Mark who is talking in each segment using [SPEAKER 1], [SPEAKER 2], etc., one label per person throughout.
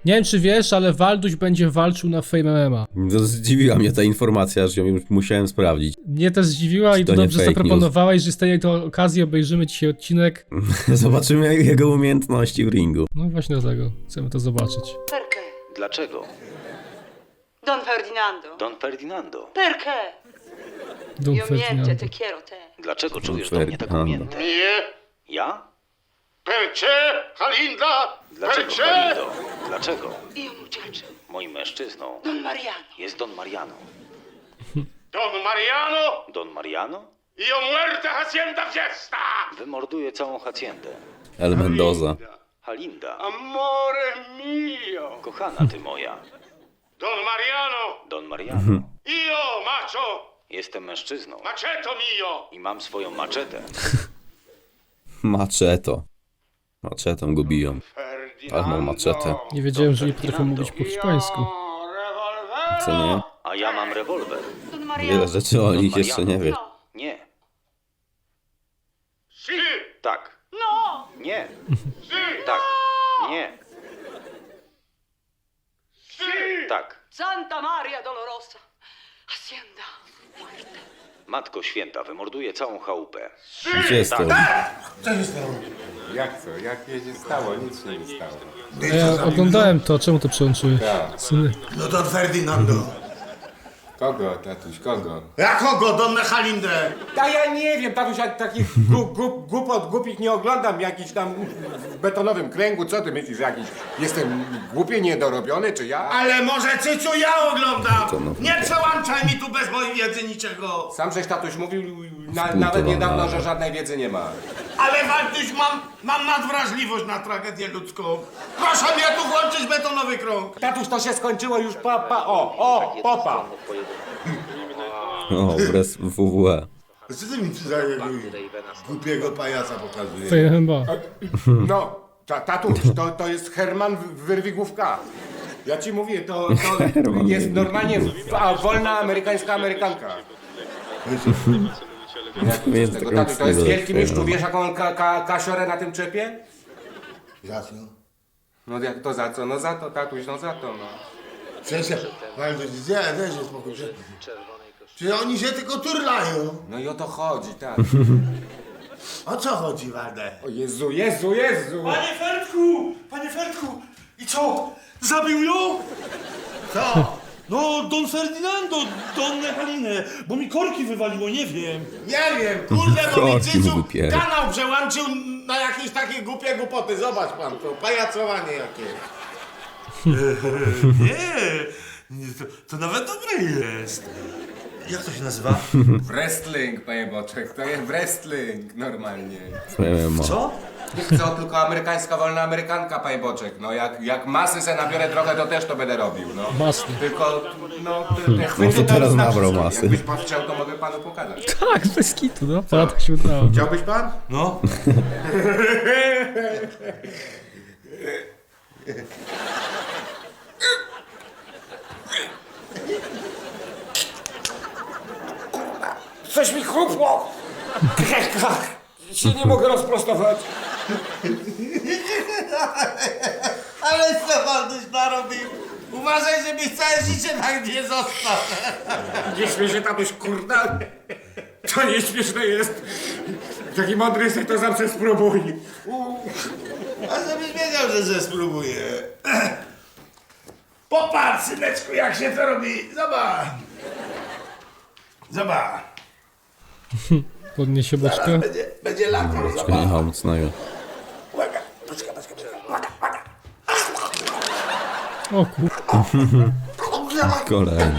[SPEAKER 1] Nie wiem, czy wiesz, ale Walduś będzie walczył na Fame MMA.
[SPEAKER 2] Zdziwiła mnie ta informacja, że ją już musiałem sprawdzić.
[SPEAKER 1] Mnie też zdziwiła i
[SPEAKER 2] to
[SPEAKER 1] to
[SPEAKER 2] nie
[SPEAKER 1] dobrze
[SPEAKER 2] fake
[SPEAKER 1] zaproponowałeś, że z tej to okazji obejrzymy dzisiaj odcinek.
[SPEAKER 2] Zobaczymy jego umiejętności w ringu.
[SPEAKER 1] No właśnie dlatego chcemy to zobaczyć.
[SPEAKER 3] Perché?
[SPEAKER 4] Dlaczego?
[SPEAKER 3] Don Ferdinando.
[SPEAKER 4] Don Ferdinando.
[SPEAKER 3] Perché?
[SPEAKER 1] Don
[SPEAKER 3] Io niente
[SPEAKER 1] Ferdinando.
[SPEAKER 3] te quiero te.
[SPEAKER 4] Dlaczego czujesz do mnie taką
[SPEAKER 2] Ferdinando.
[SPEAKER 4] miętę?
[SPEAKER 5] Nie.
[SPEAKER 4] Ja?
[SPEAKER 5] Perché, Halinda?
[SPEAKER 4] Dlaczego,
[SPEAKER 5] Perché?
[SPEAKER 4] Halindo? Dlaczego?
[SPEAKER 3] Io muchacho.
[SPEAKER 4] Moim mężczyzną
[SPEAKER 3] Don Mariano.
[SPEAKER 4] jest Don Mariano.
[SPEAKER 5] Don Mariano?
[SPEAKER 4] Don Mariano
[SPEAKER 5] Io muerte hacienda fiesta!
[SPEAKER 4] wymorduje całą haciendę.
[SPEAKER 2] El Mendoza.
[SPEAKER 4] Halinda,
[SPEAKER 5] Amore mio!
[SPEAKER 4] kochana ty moja.
[SPEAKER 5] Don Mariano!
[SPEAKER 4] Don Mariano,
[SPEAKER 5] Io, macho!
[SPEAKER 4] jestem mężczyzną
[SPEAKER 5] Maceto mio!
[SPEAKER 4] i mam swoją maczetę.
[SPEAKER 2] Maczeto. Maczetą go biją. Ale mam maczetę.
[SPEAKER 1] Nie wiedziałem, że nie potrafią mówić po hiszpańsku.
[SPEAKER 5] Revolver!
[SPEAKER 2] Co nie?
[SPEAKER 4] A ja mam rewolwer.
[SPEAKER 3] Don Mariano.
[SPEAKER 2] Wiele rzeczy o
[SPEAKER 4] Don
[SPEAKER 2] nich jeszcze nie wiesz.
[SPEAKER 3] No.
[SPEAKER 4] Nie.
[SPEAKER 5] Si!
[SPEAKER 4] Tak.
[SPEAKER 3] No.
[SPEAKER 4] Nie.
[SPEAKER 5] Si!
[SPEAKER 4] Tak. Nie.
[SPEAKER 5] Si!
[SPEAKER 4] Tak.
[SPEAKER 3] Santa Maria Dolorosa. Hacienda. Muerte.
[SPEAKER 4] Matko Święta wymorduje całą chałupę.
[SPEAKER 2] Gdzie jest to?
[SPEAKER 6] Jak co? Jak jej się stało? Nic się nie stało.
[SPEAKER 1] Ja oglądałem to, czemu to przełączyłeś? Syny.
[SPEAKER 7] No Don Ferdinando.
[SPEAKER 6] Kogo, tatuś, kogo?
[SPEAKER 7] Ja kogo? Don Halindę.
[SPEAKER 6] A ja nie wiem, tatuś, ja takich głupot głupich nie oglądam, jakiś tam w betonowym kręgu, co ty myślisz, jakiś jestem głupie, niedorobiony, czy ja?
[SPEAKER 7] Ale może Cycu ja oglądam.
[SPEAKER 2] To no.
[SPEAKER 7] Nie przełączaj mi tu bez mojej wiedzy niczego.
[SPEAKER 6] Sam żeś tatuś mówił nawet niedawno, że żadnej wiedzy nie ma.
[SPEAKER 7] Ale Waltuś, mam nadwrażliwość na tragedię ludzką. Proszę mnie tu włączyć betonowy krąg.
[SPEAKER 6] Tatuś, to się skończyło już, popa.
[SPEAKER 2] O, wraz WWE.
[SPEAKER 7] Co ty mi za głupiego pajaca pokazujesz?
[SPEAKER 1] Fame MMA.
[SPEAKER 6] No, tatuś, to jest Herman Wyrwigłówka. Ja ci mówię, to jest normalnie wolna amerykańska amerykanka.
[SPEAKER 2] Jest
[SPEAKER 6] Tego
[SPEAKER 2] taką
[SPEAKER 6] tatuś, to jest
[SPEAKER 2] wstydu,
[SPEAKER 6] wielki mistrz, wiesz jaką on kasiorę na tym czepie?
[SPEAKER 7] Za co?
[SPEAKER 6] No jak to za co? No za to, tatuś, no za to, no.
[SPEAKER 7] Przecież, Waltuś, daj się spokój. Czy oni się tylko turlają?
[SPEAKER 6] No i o to chodzi, tak.
[SPEAKER 7] O co chodzi, Waldę?
[SPEAKER 6] O Jezu!
[SPEAKER 8] Panie Fertku! I co? Zabił ją?
[SPEAKER 7] Co?
[SPEAKER 8] No, Don Ferdinando, Donnę Halinę, bo mi korki wywaliło, nie wiem.
[SPEAKER 7] Nie wiem, kurde, bo mi
[SPEAKER 2] Korki mu
[SPEAKER 7] Cycu
[SPEAKER 2] wypiera.
[SPEAKER 7] kanał przełączył na jakieś takie głupie głupoty. Zobacz pan to, pajacowanie jakie.
[SPEAKER 8] Nie, to nawet dobre jest. Jak to się nazywa?
[SPEAKER 6] Wrestling, panie Boczek, to jest wrestling, normalnie.
[SPEAKER 2] MMA.
[SPEAKER 8] Co?
[SPEAKER 6] Co, tylko amerykańska wolna amerykanka, panie Boczek. No jak masy se nabiorę trochę, to też to będę robił, no.
[SPEAKER 1] Masy.
[SPEAKER 6] Tylko, no, te chwyty
[SPEAKER 2] to teraz
[SPEAKER 6] znaczy
[SPEAKER 2] nabrał
[SPEAKER 6] coś.
[SPEAKER 2] masy.
[SPEAKER 6] Jakbyś pan chciał, to mogę panu pokazać.
[SPEAKER 1] Tak, bez kitu, no. To tak się udało.
[SPEAKER 6] Chciałbyś pan?
[SPEAKER 8] No.
[SPEAKER 6] Coś mi chrupło! Się nie mogę rozprostować.
[SPEAKER 7] Ale co Walduś narobił? Uważaj, żebyś całe życie tak nie został.
[SPEAKER 6] Nie śmiej się, tatuś, kurda. To nieśmieszne jest. Jak taki mądry jesteś, to zawsze spróbuj.
[SPEAKER 7] A żebyś wiedział, że spróbuję. Popatrz, syneczku, jak się to robi. Zobacz. Zobacz.
[SPEAKER 1] Podniesie boczkę.
[SPEAKER 7] Będzie latał.
[SPEAKER 2] Boczka nie ma mocnego.
[SPEAKER 7] Uwaga, poczekaj.
[SPEAKER 1] O kur...
[SPEAKER 2] Kolejny.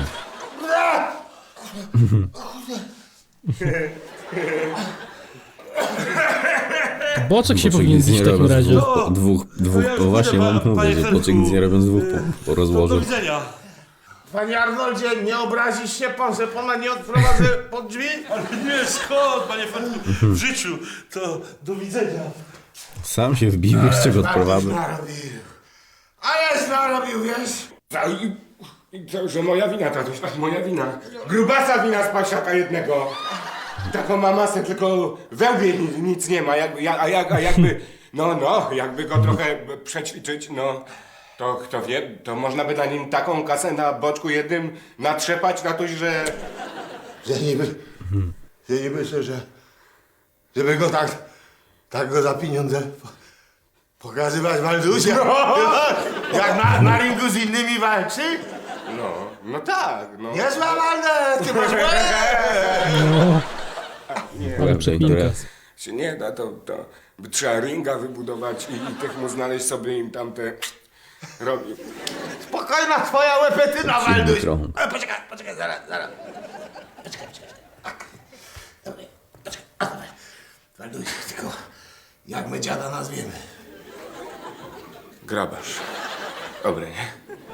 [SPEAKER 1] Boczek się
[SPEAKER 2] Boczek
[SPEAKER 1] powinien
[SPEAKER 2] nic
[SPEAKER 1] bić
[SPEAKER 2] nie
[SPEAKER 1] w takim
[SPEAKER 2] robią z
[SPEAKER 1] razie.
[SPEAKER 2] dwóch,
[SPEAKER 8] ja już
[SPEAKER 2] bo właśnie
[SPEAKER 8] idę,
[SPEAKER 2] mam
[SPEAKER 8] panie
[SPEAKER 2] mówię, że
[SPEAKER 8] Fertku.
[SPEAKER 2] Boczek nic nie robią z dwóch po
[SPEAKER 8] Do
[SPEAKER 2] rozłożu.
[SPEAKER 8] widzenia.
[SPEAKER 7] Panie Arnoldzie, nie obrazisz się pan, że pana nie odprowadzę pod drzwi?
[SPEAKER 8] Ale nie, skąd, panie Fertku? W życiu. To do widzenia.
[SPEAKER 2] Sam się wbił, jeszcze go odprowadzę.
[SPEAKER 7] Ależ narobił, wiesz?
[SPEAKER 6] Że moja wina, tatuś, moja wina. Grubasa wina z pasiaka jednego. Taką ma masę, tylko we łbie nic nie ma, a jakby, jakby go trochę przećwiczyć, no. To kto wie, to można by na nim taką kasę na boczku jednym natrzepać na to, że...
[SPEAKER 7] Ja nie myślę, żeby go tak go za pieniądze pokazywać Waldusia. Jak na ringu z innymi walczy?
[SPEAKER 6] No tak, no.
[SPEAKER 7] Niezła Waldę, ty masz łeb!
[SPEAKER 1] Ale przekminka.
[SPEAKER 6] Się nie da, to by trzeba ringa wybudować i tych mu znaleźć sobie im tamte... robi.
[SPEAKER 7] Spokojna twoja łepetyna, Walduś.
[SPEAKER 2] krąg.
[SPEAKER 7] Ale poczekaj, zaraz. Poczekaj. Dobra, poczekaj. Walduś, tylko jak my dziada nazwiemy?
[SPEAKER 6] Grabarz. Dobre, nie?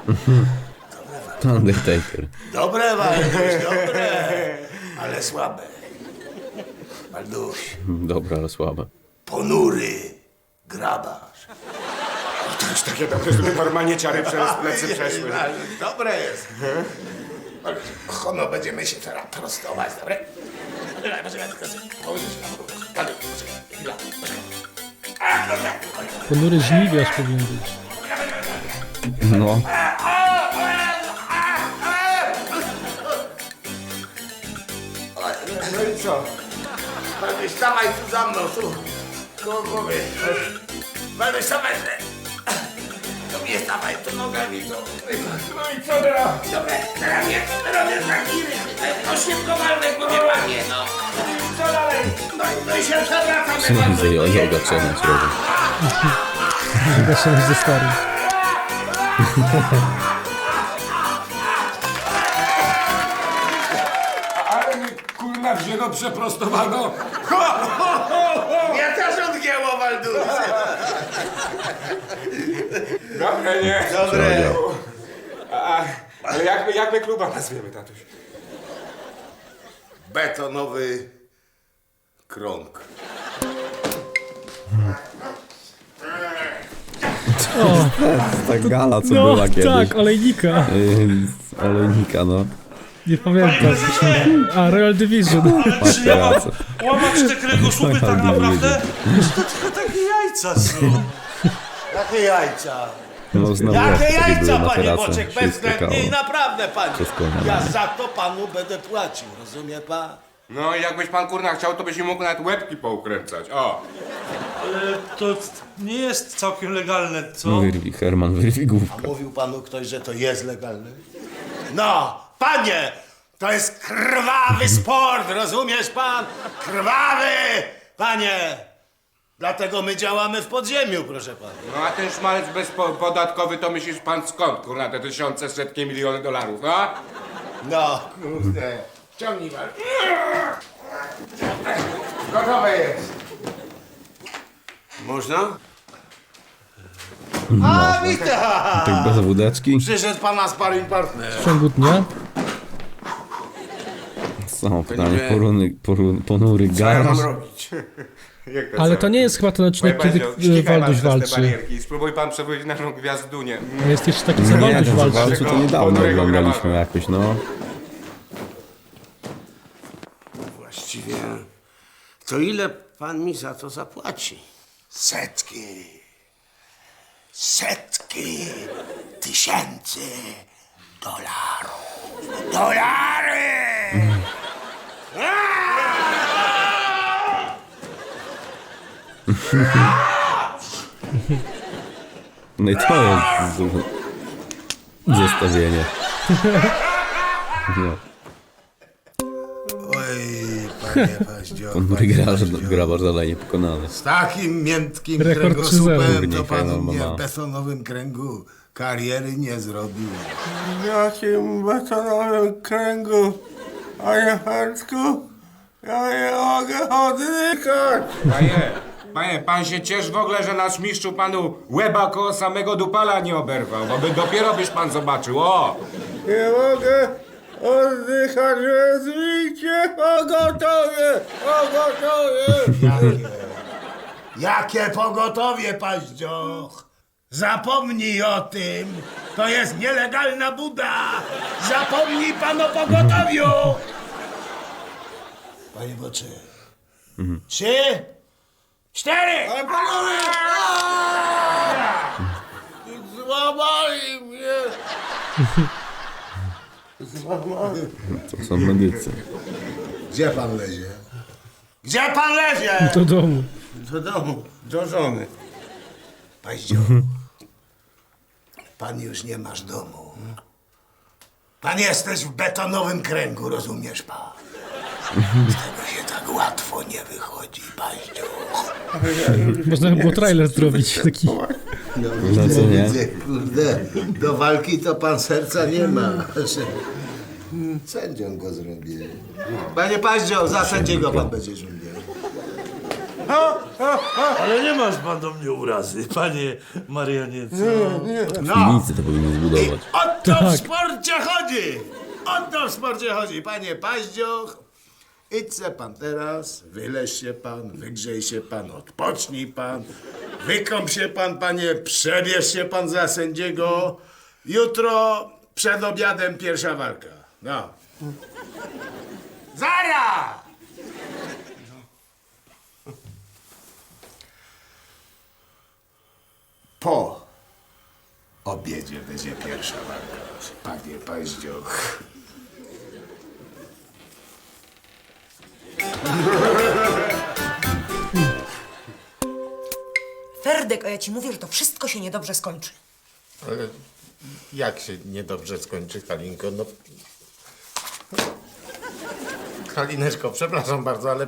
[SPEAKER 2] Undertaker.
[SPEAKER 7] Dobre, Walduś, dobre. Ale słabe. Walduś,
[SPEAKER 2] Dobra, ale słabe.
[SPEAKER 7] ponury grabarz.
[SPEAKER 6] To już takie dobre, żeby normalnie ciary przez plecy przeszły.
[SPEAKER 7] Dobre jest. Hono, będziemy się teraz prostować, dobre? Poczekaj.
[SPEAKER 1] Ponury żniwiarz powinien być.
[SPEAKER 2] No.
[SPEAKER 6] No i co?
[SPEAKER 7] Walduś, stawaj tu za mną, tu. Koło głowy. Walduś, stawaj. To mnie stawaj, tu nogami, to.
[SPEAKER 6] No i co teraz?
[SPEAKER 7] Dobra, teraz robię taki oświadkowalny, bo nie panie, no. Co dalej? No i się przewracamy,
[SPEAKER 2] Widzę, joga challenge robię.
[SPEAKER 1] Zgaszam ze starym.
[SPEAKER 6] Ale mi kurna wzięło przeprostowano.
[SPEAKER 7] Ja też odgięło, Walduś.
[SPEAKER 6] Dobre, nie?
[SPEAKER 7] Dobre.
[SPEAKER 6] Ale jak my kluba nazwiemy, tatuś?
[SPEAKER 7] Betonowy krąg.
[SPEAKER 2] Ta gala, co
[SPEAKER 1] No
[SPEAKER 2] była kiedyś.
[SPEAKER 1] tak, olejnika.
[SPEAKER 2] Z olejnika, no.
[SPEAKER 1] Nie pamiętam. A, Royal Division.
[SPEAKER 8] Czy ja mam
[SPEAKER 2] Patrzę,
[SPEAKER 8] łamać te kręgosłupy tak
[SPEAKER 2] Royal
[SPEAKER 8] naprawdę? To tylko takie jajca są.
[SPEAKER 7] Jakie jajca?
[SPEAKER 2] No znowu
[SPEAKER 7] Jakie
[SPEAKER 2] jak takie były
[SPEAKER 7] jajca,
[SPEAKER 2] na
[SPEAKER 7] panie
[SPEAKER 2] terasach,
[SPEAKER 7] Boczek,
[SPEAKER 2] się
[SPEAKER 7] bezwzględnie
[SPEAKER 2] skakało.
[SPEAKER 7] i naprawdę, panie.
[SPEAKER 2] Wszystko na
[SPEAKER 7] Ja
[SPEAKER 2] razie.
[SPEAKER 7] za to panu będę płacił, rozumie pan?
[SPEAKER 6] No jakbyś pan kurna chciał, to byś mi mógł nawet łebki poukręcać. O!
[SPEAKER 8] Ale to nie jest całkiem legalne, co?
[SPEAKER 2] Herman wyrwi główkę.
[SPEAKER 7] A mówił panu ktoś, że to jest legalne? No, panie! To jest krwawy sport, rozumiesz pan? Krwawy! Panie! Dlatego my działamy w podziemiu, proszę pana.
[SPEAKER 6] No a ten szmalec bezpodatkowy to myślisz pan skąd, kurna, te tysiące, setki, miliony dolarów, no?
[SPEAKER 7] No, kurde. Ciągnij pan. Gotowe jest. Można? A, witam!
[SPEAKER 2] Tak bez wódeczki?
[SPEAKER 7] Przyszedł pana sparring partner.
[SPEAKER 1] W ciągu dnia.
[SPEAKER 2] Są pytanie, ponury
[SPEAKER 6] Co ja mam
[SPEAKER 2] garaż.
[SPEAKER 6] robić? Jak
[SPEAKER 1] Ale to nie jest chyba ten odcinek, kiedy Walduś walczy.
[SPEAKER 6] Spróbuj pan przebyć naszą gwiazdunię.
[SPEAKER 1] A jest jeszcze taki, co
[SPEAKER 2] Nie,
[SPEAKER 1] Walduś
[SPEAKER 2] ten
[SPEAKER 1] walczy.
[SPEAKER 2] walczy to niedawno oglądaliśmy jakoś, no.
[SPEAKER 7] Właściwie, to ile pan mi za to zapłaci? Setki. Setki tysięcy dolarów. Dolary!
[SPEAKER 2] No i to jest zestawienie. No.
[SPEAKER 7] Oj, panie Paździo.
[SPEAKER 2] Ponury grabarz dalej niepokonany.
[SPEAKER 7] Z takim miętkim
[SPEAKER 1] Rekord
[SPEAKER 7] kręgosłupem to
[SPEAKER 2] Turniej
[SPEAKER 7] pan
[SPEAKER 2] Final
[SPEAKER 7] mnie
[SPEAKER 2] MMA.
[SPEAKER 7] w betonowym kręgu kariery nie zrobił. W jakim betonowym kręgu, panie Hercku? Ja nie mogę oddychać.
[SPEAKER 6] Panie, pan się ciesz w ogóle, że nasz mistrzu panu łeba koło samego dupala nie oberwał, bo by dopiero byś pan zobaczył, o!
[SPEAKER 7] Nie mogę oddychać, wezwijcie pogotowie! Pogotowie! Jakie pogotowie, Paździoch? Zapomnij o tym! To jest nielegalna buda! Zapomnij pan o pogotowiu! Panie Bocze. 3, 4! Ale panowie! boli mnie.
[SPEAKER 2] To są medycy.
[SPEAKER 7] Gdzie pan lezie? Gdzie pan lezie?
[SPEAKER 1] Do domu.
[SPEAKER 7] Do domu, do żony. Paździo, pan już nie masz domu. Pan jesteś w betonowym kręgu, rozumiesz pan? Z tego się tak łatwo nie wychodzi, Paździo.
[SPEAKER 1] Można by było trailer zrobić taki.
[SPEAKER 2] No co nie?
[SPEAKER 7] Kurde, do walki to pan serca nie ma. Sędzią go zrobię. Panie Paździo, za sędziego pan będzie żądał.
[SPEAKER 8] Ale nie masz pan do mnie urazy, panie marionieco.
[SPEAKER 7] No.
[SPEAKER 2] Piwnicy to powinni zbudować.
[SPEAKER 7] O to w sporcie chodzi! O to w sporcie chodzi, panie Paździoch. Idź se pan teraz, wyleź się pan, wygrzej się pan, odpocznij pan, wykąp się pan, panie, przebierz się pan za sędziego. Jutro przed obiadem pierwsza walka. No. Zara! Po obiedzie będzie pierwsza walka, panie Paździoch.
[SPEAKER 9] Ferdek, a ja ci mówię, że to wszystko się niedobrze skończy.
[SPEAKER 7] Ale jak się niedobrze skończy, Halinko? No... Halineczko, przepraszam bardzo, ale...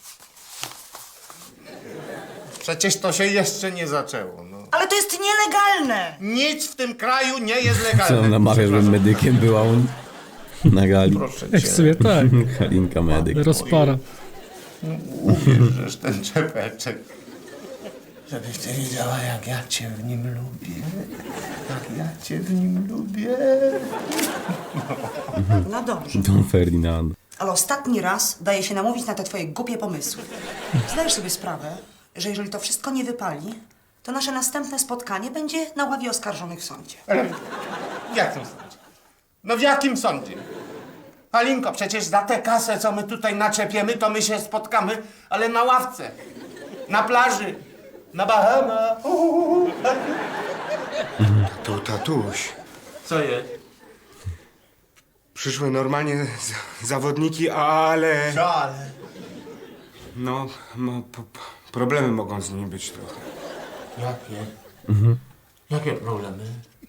[SPEAKER 7] Przecież to się jeszcze nie zaczęło, no.
[SPEAKER 9] Ale to jest nielegalne!
[SPEAKER 7] Nic w tym kraju nie jest
[SPEAKER 2] Co
[SPEAKER 7] legalne.
[SPEAKER 2] on namawia, żebym medykiem była on na gali.
[SPEAKER 7] Proszę
[SPEAKER 1] Jak
[SPEAKER 7] cię,
[SPEAKER 1] w sumie tak.
[SPEAKER 2] Halinka medyk.
[SPEAKER 1] Rozpara.
[SPEAKER 7] ubierzesz ten czepeczek. Żebyś ty wiedziała, jak ja cię w nim lubię. Jak ja cię w nim lubię.
[SPEAKER 9] No dobrze,
[SPEAKER 2] Don Ferdinand.
[SPEAKER 9] ale ostatni raz daje się namówić na te twoje głupie pomysły. Zdajesz sobie sprawę, że jeżeli to wszystko nie wypali, to nasze następne spotkanie będzie na ławie oskarżonych w sądzie.
[SPEAKER 7] W jakim sądzie? No w jakim sądzie? Halinko, przecież za tę kasę, co my tutaj naczepiemy, to my się spotkamy, ale na ławce, na plaży, na Bahamach.
[SPEAKER 6] Tatuś.
[SPEAKER 7] Co jest?
[SPEAKER 6] Przyszły normalnie zawodniki, ale...
[SPEAKER 7] Co ale?
[SPEAKER 6] No, problemy mogą z nimi być trochę.
[SPEAKER 7] Jakie? Jakie problemy?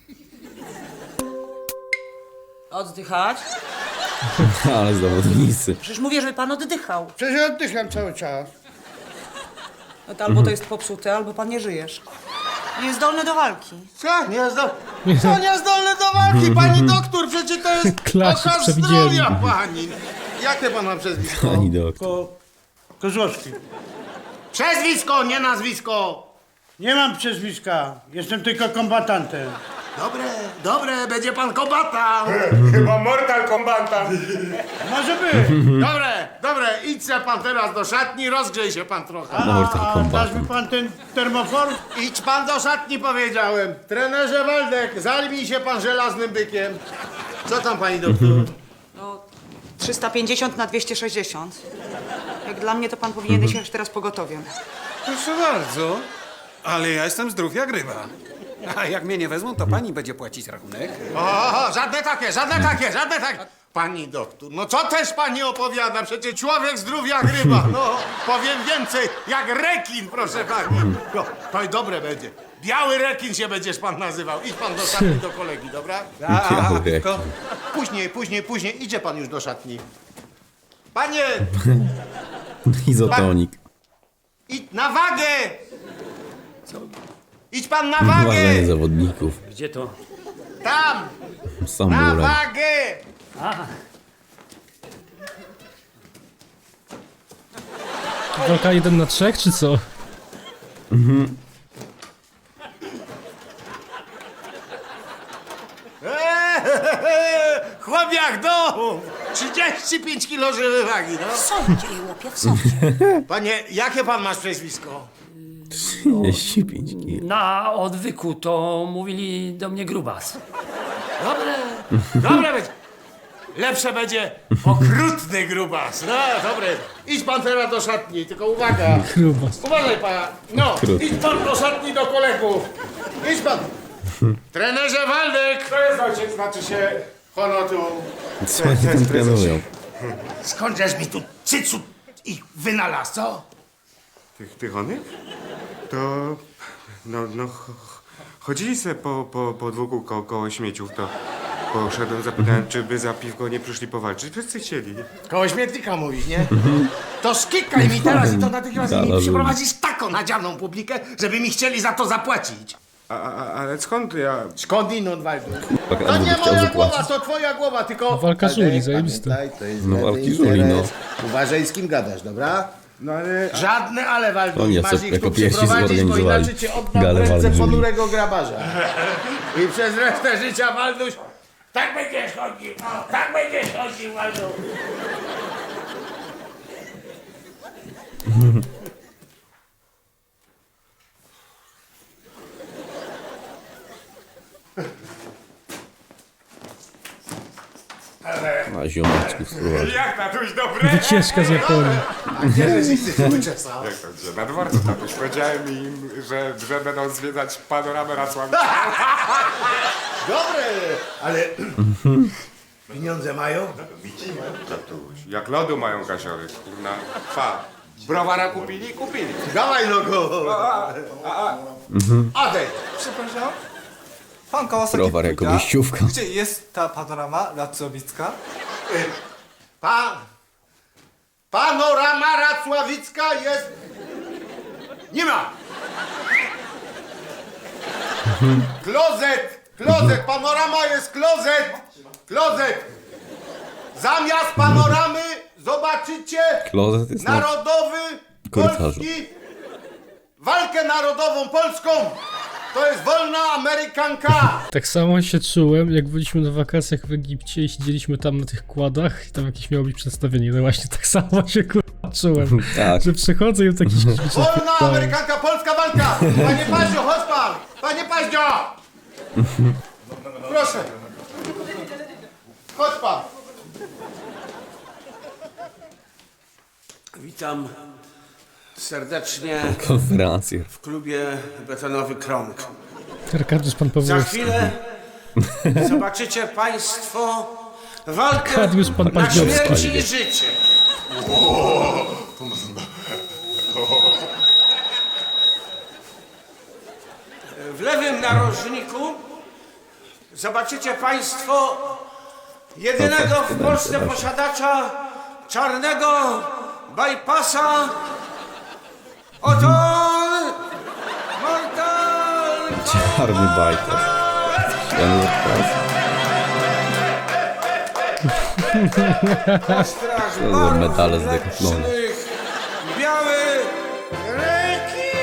[SPEAKER 9] Oddychać?
[SPEAKER 2] Ale zawodnicy.
[SPEAKER 9] Przecież mówię, żeby pan oddychał.
[SPEAKER 6] Przecież oddycham cały czas.
[SPEAKER 9] No to albo to jest popsute, albo pan nie żyjesz. Niezdolny do walki.
[SPEAKER 7] Co? Niezdolny do walki, pani doktor, przecież to jest
[SPEAKER 1] Klasik
[SPEAKER 7] oka
[SPEAKER 1] przewidzieli.
[SPEAKER 7] zdrowia, pani. Jakie pan ma przezwisko?
[SPEAKER 2] Pani doktor.
[SPEAKER 8] Kozłowski.
[SPEAKER 7] Przezwisko, nie nazwisko.
[SPEAKER 8] Nie mam przezwiska, jestem tylko kombatantem.
[SPEAKER 7] Dobre, będzie pan kombatant.
[SPEAKER 6] Chyba Mortal Kombatant.
[SPEAKER 8] Może być.
[SPEAKER 7] Dobre, idź se pan teraz do szatni, rozgrzej się pan trochę.
[SPEAKER 2] Mortal
[SPEAKER 8] Dasz
[SPEAKER 2] Kombat.
[SPEAKER 8] mi pan ten termofor?
[SPEAKER 7] Idź pan do szatni, powiedziałem. Trenerze Waldek, zalbij się pan żelaznym bykiem. Co tam, pani doktor?
[SPEAKER 9] No, 350 na 260. Jak dla mnie, to pan powinien jechać teraz pogotowiem.
[SPEAKER 10] Proszę bardzo, ale ja jestem zdrów jak ryba. A jak mnie nie wezmą, to pani będzie płacić rachunek.
[SPEAKER 7] O, żadne takie. Pani doktor, no co też pani opowiada? Przecież człowiek zdrów jak ryba. No, powiem więcej, jak rekin, proszę pani. No, to i dobre będzie. Biały rekin się będziesz pan nazywał. Idź pan do szatni do kolegi, dobra?
[SPEAKER 2] Biały
[SPEAKER 10] tylko
[SPEAKER 7] Później, idzie pan już do szatni. Panie,
[SPEAKER 2] Izotonik.
[SPEAKER 7] idź na wagę! Idź pan na
[SPEAKER 2] Uważanie
[SPEAKER 7] wagę!
[SPEAKER 2] zawodników.
[SPEAKER 8] Gdzie to?
[SPEAKER 7] Tam! Na
[SPEAKER 2] Samuraj.
[SPEAKER 7] wagę!
[SPEAKER 1] Walka 1 na 3, czy co?
[SPEAKER 7] Chłop jak dom! 35 kilo żywej wagi, no.
[SPEAKER 9] W sądzie, łopie, w sądzie.
[SPEAKER 7] Panie, jakie pan masz przezwisko?
[SPEAKER 2] 35 kg.
[SPEAKER 11] Na odwyku to mówili do mnie grubas.
[SPEAKER 7] Dobre będzie. Lepsze będzie okrutny grubas. No, dobre. Idź pan teraz do szatni, tylko uwaga.
[SPEAKER 1] Grubas.
[SPEAKER 7] Uważaj pan. No,
[SPEAKER 2] Okrutny.
[SPEAKER 7] idź pan do szatni do kolegów. Idź pan.
[SPEAKER 6] Trenerze Waldek! To jest ojciec, znaczy się honotu.
[SPEAKER 2] Co oni tam planują?
[SPEAKER 7] Skądżeś mi tu cycu ich wynalazł, co?
[SPEAKER 6] Tych onych? To... chodzili se po podwórku koło śmieciów, to poszedłem, zapytałem, czy by za piwko nie przyszli powalczyć. Wszyscy chcieli.
[SPEAKER 7] Koło śmietnika mówisz, nie? To skikaj mi teraz i to natychmiast
[SPEAKER 2] Gala
[SPEAKER 7] mi
[SPEAKER 2] ludzi.
[SPEAKER 7] przyprowadzisz taką nadzianą publikę, żeby mi chcieli za to zapłacić.
[SPEAKER 6] Ale skąd ja...
[SPEAKER 7] Skądinąd, Waldu?
[SPEAKER 2] To
[SPEAKER 7] nie
[SPEAKER 2] chciał
[SPEAKER 7] moja
[SPEAKER 2] zapłacić.
[SPEAKER 7] głowa, to twoja głowa, tylko...
[SPEAKER 1] Walka żuli, zajebiste.
[SPEAKER 7] Pamiętaj, to jest
[SPEAKER 2] No,
[SPEAKER 7] żadny
[SPEAKER 2] walki żuli, no.
[SPEAKER 7] interes. Uważaj, z kim gadasz, dobra?
[SPEAKER 6] No ale...
[SPEAKER 7] Żadne ale, Waldu.
[SPEAKER 2] Oni
[SPEAKER 7] Masz ich
[SPEAKER 2] jako
[SPEAKER 7] tu
[SPEAKER 2] pierwsi
[SPEAKER 7] przyprowadzić, bo
[SPEAKER 2] zorganizowali
[SPEAKER 7] inaczej cię oddam w
[SPEAKER 2] galę
[SPEAKER 7] ręce
[SPEAKER 2] walki żuli.
[SPEAKER 7] ponurego grabarza. I przez resztę życia, Walduś, tak będziesz chodził, o, tak będziesz chodził, Waldu.
[SPEAKER 2] A ziomeczków spróbować.
[SPEAKER 6] Jak tatuś, dobre?
[SPEAKER 1] Wycieczka z Japonii.
[SPEAKER 7] Gdzie żeś ich ty uczesał?
[SPEAKER 6] Jak to, gdzie? Na dworcu, tatuś. Powiedziałem im, że będą zwiedzać panoramę Racławicką.
[SPEAKER 7] Dobre, ale pieniądze mają?
[SPEAKER 6] Tatuś, jak lodu mają kasiory, kurna. Pa. Browara kupili? Kupili.
[SPEAKER 7] Dawaj no go! Adej!
[SPEAKER 12] Przepraszam? Pan Kawasaki
[SPEAKER 2] Browar jako
[SPEAKER 12] pyta,
[SPEAKER 2] wyjściówka.
[SPEAKER 12] gdzie jest ta panorama Racławicka?
[SPEAKER 7] Panorama Racławicka jest... Nie ma! Klozet! Panorama jest klozet! Zamiast panoramy zobaczycie
[SPEAKER 2] Klozet jest na
[SPEAKER 7] narodowy,
[SPEAKER 2] korytarzu.
[SPEAKER 7] polski, walkę narodową polską. To jest wolna Amerykanka.
[SPEAKER 1] Tak samo się czułem, jak byliśmy na wakacjach w Egipcie i siedzieliśmy tam na tych kładach i tam jakieś miało być przedstawienie. No właśnie tak samo się kurwa czułem,
[SPEAKER 2] Tak.
[SPEAKER 1] że przychodzę i taki
[SPEAKER 7] Wolna Amerykanka, polska walka. Panie Paździo, chodź pan. Panie Paździo. Proszę. Chodź pan.
[SPEAKER 13] Witam serdecznie
[SPEAKER 2] Konferencje.
[SPEAKER 13] w klubie Betonowy Krąg.
[SPEAKER 1] Arkadiusz pan
[SPEAKER 13] Za
[SPEAKER 1] Pawłowski.
[SPEAKER 13] chwilę zobaczycie Państwo walkę
[SPEAKER 1] Arkadiusz pan
[SPEAKER 13] na
[SPEAKER 1] Paździowski.
[SPEAKER 13] śmierć i życie. W lewym narożniku zobaczycie Państwo jedynego w Polsce posiadacza czarnego bypassa. Oto on, Mortal
[SPEAKER 2] Czarny bajtas.
[SPEAKER 13] Straż
[SPEAKER 2] To za medale z Decathlonu.
[SPEAKER 13] Mlecznych, biały reki.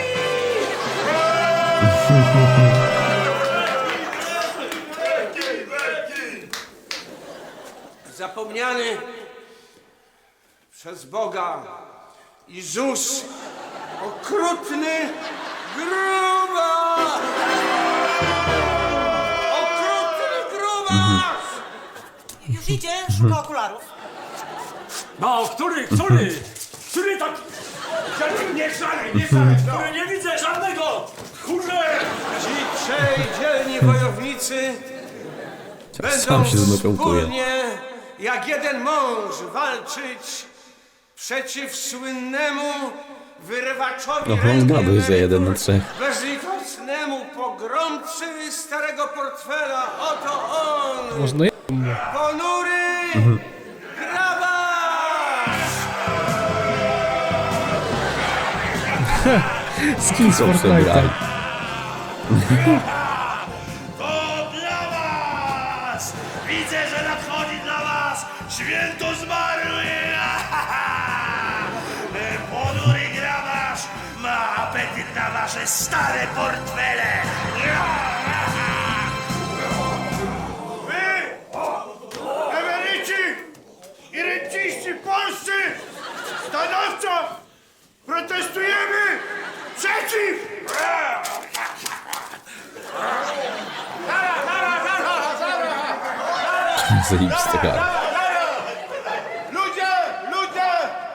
[SPEAKER 13] Zapomniany przez Boga i ZUS okrutny grubas. Okrutny grubas.
[SPEAKER 9] Już idzie, szuka okularów.
[SPEAKER 11] No, który tak...
[SPEAKER 5] Nie szalej, no.
[SPEAKER 11] Nie widzę żadnego! Kurze!
[SPEAKER 13] Ci trzej dzielni wojownicy będą
[SPEAKER 2] Sam się znokautuje.
[SPEAKER 13] wspólnie jak jeden mąż walczyć przeciw słynnemu wyrywaczowi
[SPEAKER 2] No, on
[SPEAKER 13] ręki
[SPEAKER 2] zgadł za
[SPEAKER 13] emerytur,
[SPEAKER 2] 1-3.
[SPEAKER 13] bezlitosnemu pogromcy starego portfela. Oto on,
[SPEAKER 1] Można
[SPEAKER 13] ponury grabarz!
[SPEAKER 1] skin z
[SPEAKER 2] Co przebrali?
[SPEAKER 1] Fortnite'a.
[SPEAKER 5] To dla was! Widzę, że nadchodzi dla was święto zmarły! Ponury grabarz ma apetyt na wasze stare portfele! Wy, emeryci i renciści polscy, stanowczo protestujemy przeciw!
[SPEAKER 2] Zajebista gara.
[SPEAKER 7] Ludzie,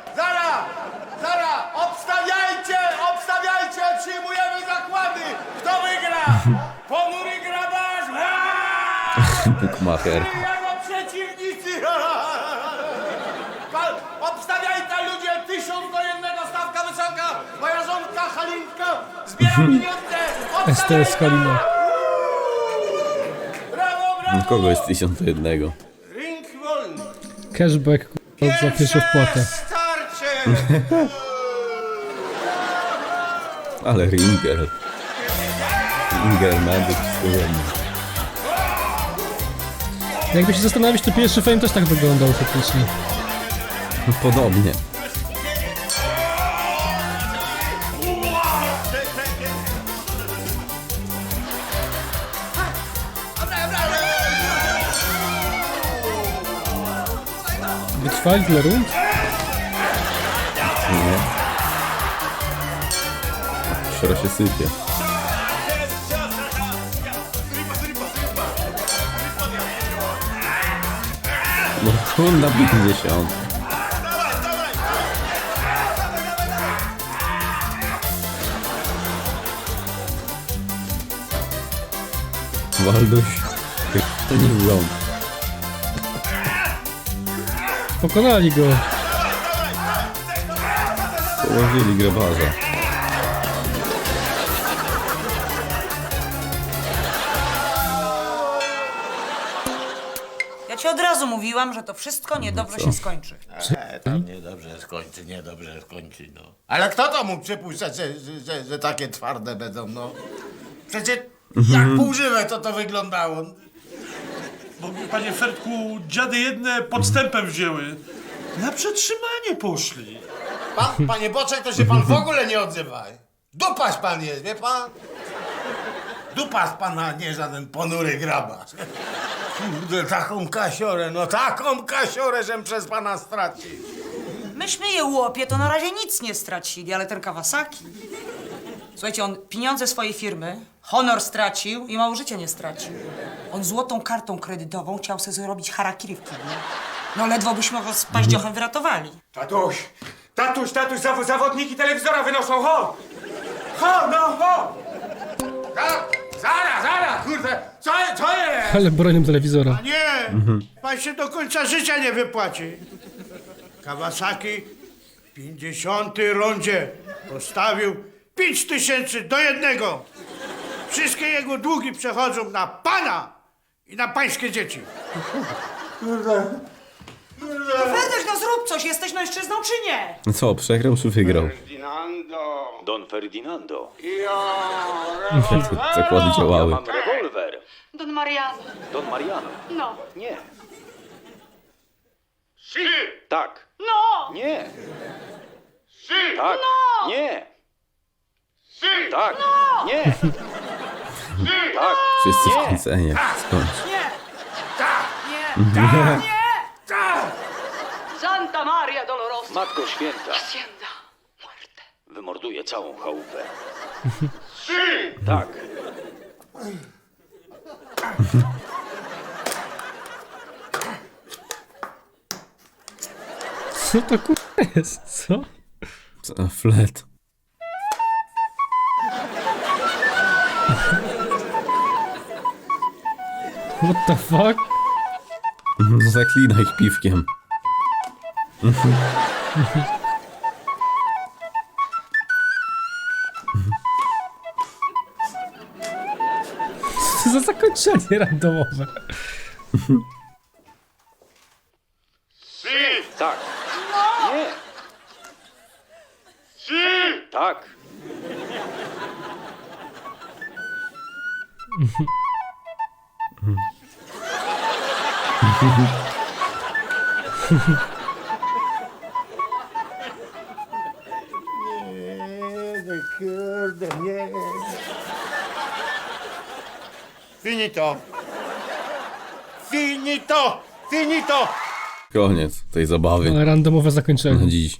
[SPEAKER 7] zara, obstawiajcie, przyjmujemy zakłady. Kto wygra? Ponury graba
[SPEAKER 2] Bukmacher.
[SPEAKER 7] Jako przeciwnicy! Obstawiaj ta ludzie 1000 do 1, stawka wysoka! Moja żonka Halinka zbiera pieniądze!
[SPEAKER 1] STS Halina.
[SPEAKER 2] Kogo jest 1000 do 1?
[SPEAKER 7] Ring wolny!
[SPEAKER 1] Cashback za pierwszą wpłatę.
[SPEAKER 7] Starcie!
[SPEAKER 2] Ale Ringer. Ringer, Magic, wszystko ładnie.
[SPEAKER 1] Jakby się zastanowić, to pierwszy Fame też tak wyglądał faktycznie.
[SPEAKER 2] Podobnie.
[SPEAKER 1] Wytrwali tyle rund?
[SPEAKER 2] Nie. Szra się sypie. No runda 50. Walduś. To nie był.
[SPEAKER 1] Pokonali go.
[SPEAKER 2] Położyli grabarza.
[SPEAKER 9] Ja ci od razu mówiłam, że to wszystko niedobrze się skończy.
[SPEAKER 7] Tam niedobrze skończy, no. Ale kto to mógł przypuszczać, że takie twarde będą, no? Przecież jak półżywe to wyglądało.
[SPEAKER 8] Bo, panie Fertku, dziady jedne podstępem wzięły. Na przetrzymanie poszli.
[SPEAKER 7] Panie Boczek, to się pan w ogóle nie odzywaj. Dupaś pan jest, wie pan? Dupas pana, nie żaden ponury grabarz. Kurde, taką kasiorę, no taką kasiorę, żem przez pana stracił.
[SPEAKER 9] Myśmy je łopie, to na razie nic nie stracili, ale ten Kawasaki... Słuchajcie, on pieniądze swojej firmy, honor stracił i mało życia nie stracił. On złotą kartą kredytową chciał sobie zrobić harakiri w kiblu. No ledwo byśmy go z paździochem wyratowali.
[SPEAKER 13] Tatuś, zawodniki telewizora wynoszą, ho! Ho, no, ho!
[SPEAKER 7] Zaraz, kurde, co jest?
[SPEAKER 1] Ale bronią telewizora.
[SPEAKER 7] Nie, pan się do końca życia nie wypłaci. Kawasaki w 50. rundzie postawił 5000 do 1. Wszystkie jego długi przechodzą na pana i na pańskie dzieci.
[SPEAKER 9] Ferdek, no zrób coś, jesteś mężczyzną czy nie?
[SPEAKER 2] No co, przegrał czy wygrał?
[SPEAKER 4] Ferdinando. Don Ferdinando.
[SPEAKER 2] Zakłady
[SPEAKER 4] Ja
[SPEAKER 2] działały.
[SPEAKER 4] mam rewolwer.
[SPEAKER 3] Don Mariano.
[SPEAKER 4] Don Mariano.
[SPEAKER 3] No.
[SPEAKER 4] Nie. Tak.
[SPEAKER 3] No!
[SPEAKER 4] Nie. Tak.
[SPEAKER 3] No!
[SPEAKER 4] Nie. Tak. Nie. Tak.
[SPEAKER 2] Wszyscy
[SPEAKER 4] Nie.
[SPEAKER 2] wkręcenie. Skąd?
[SPEAKER 3] Nie!
[SPEAKER 1] Nie.
[SPEAKER 3] Santa Maria Dolorosa.
[SPEAKER 4] Matko Święta.
[SPEAKER 3] Hacienda. Muerte.
[SPEAKER 4] Wymorduje całą chałupę. Tak.
[SPEAKER 1] Co to kurwa jest? Co?
[SPEAKER 2] Co? Flet.
[SPEAKER 1] What the fuck?
[SPEAKER 2] Zaklina ich piwkiem.
[SPEAKER 1] Co za zakończenie randomowe?
[SPEAKER 4] Tak. Nie. Tak.
[SPEAKER 7] Kurde, nie. Finito. Finito. Finito.
[SPEAKER 2] Koniec tej zabawy
[SPEAKER 1] Ale randomowe zakończenie.
[SPEAKER 2] na dziś.